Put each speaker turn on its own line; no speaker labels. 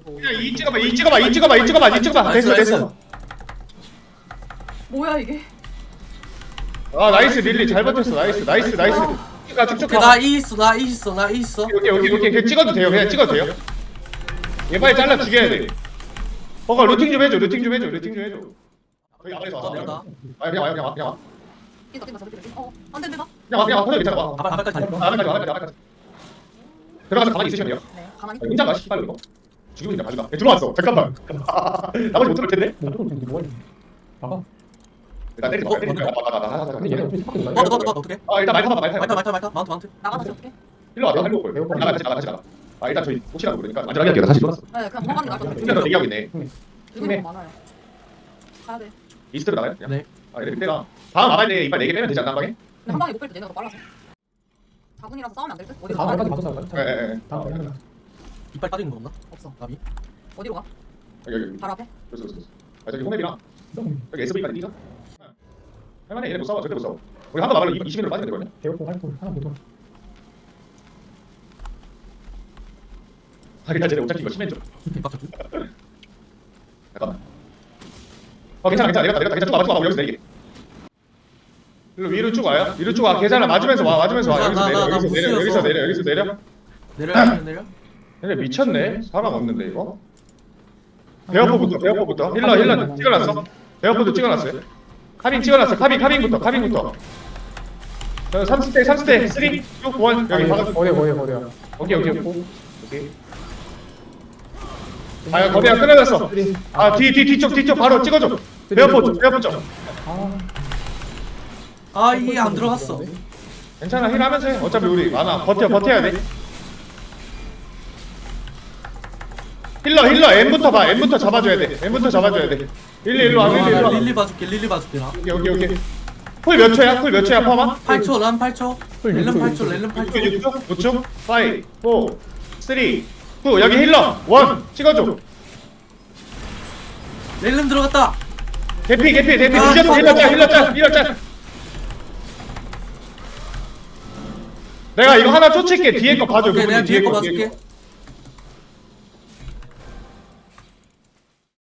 그냥 이 찍어봐. 됐어.
뭐야 이게?
아 나이스 릴리 잘 버텼어. 나이스. 가 쭉쭉
오케이
가.
나 E 있어 나 E 있어.
오케이. 그냥 찍어도 돼요. 얘 빨리 잘라 죽여야 돼. 루팅 좀 해줘. 거기 앞에서 와.
내가
그냥 와.
뛴다 저렇게. 안 된다.
그냥 와. 터져 괜찮아. 와.
아발까지 달려.
나가까지. 들어가서 가만히 있으시면 돼요.
네, 가만히.
혼자 가 씨발 이거. 죽이면 그냥 가져가. 들어왔어. 잠깐만. 나머지 못 들을 텐데. 일단 때리지 마.
너 어떻게?
일단 말 타봐.
마운트.
나가서 어떻게?
일로 와. 할 거예요. 같이 나가. 일단 저희 혹시라도 모르니까 안전하게 할게요. 다시 돌았어.
네, 그냥 도망가는 게 나을 것 같아.
더 대기하고 있네.
죽는 거 많아요. 가야 돼.
이스트로 나가요? 그냥?
네.
이래 그때가 다음 아발 때 이빨 4개 빼면 되지 않나 한 방에?
근데 한 방에 못뺄때 얘네가 더 빨라서. 4분이라서 싸우면 안 될 듯? 어디로
다음
가?
까지 맞춰서 할까요?
예.
이빨 빠지는 거 없나?
없어.
나비.
어디로 가?
여기.
바로 앞에?
그래서. 저기 홈맵이랑 여기 SV까지 뛰자. 할만해. 얘네 못 싸워. 절대 못 싸워. 우리 한번 막으면 20min으로 빠지면 되거든요.
대역폭 활동 하나 보도록.
일단 쟤네 오차키 이거 심해져.
빡쳤지?
잠깐만. 괜찮아. 내가 쭉 와봐. 여기서 내리게. 위로 쭉 와요. 위로 쭉 와. 계산을 맞으면서 와. 여기서 내려.
내려.
얘네 미쳤네. 사람 없는데 이거. 배어포부터. 힐러 찍어놨어. 배어포도 찍어놨어요. 카빙 찍어놨어. 카빙부터. 3스택 3, 2, 1 여기 박아.
어디야.
오케이. 거기가 끊어졌어. 뒤쪽 바로 찍어줘. 배어포 쪽.
아 이게 안 들어갔어.
괜찮아. 힐 하면서 해. 어차피 우리 많아. 버텨야 돼. 힐러 M부터 봐. M부터 잡아줘야 돼. 일로 와.
릴리 봐줄게 나.
오케이. 쿨 몇 초야? 퍼마?
8초 난 8초. 렐름 8초.
5초? 5, 4, 3, 2 여기 힐러 1 찍어줘.
렐름 들어갔다.
개피 뒤졌어. 힐러 짤. 내가 이거 하나 쫓을게. 뒤에 거 봐줘.
오케이 내가 뒤에 거
뒤에
봐줄게.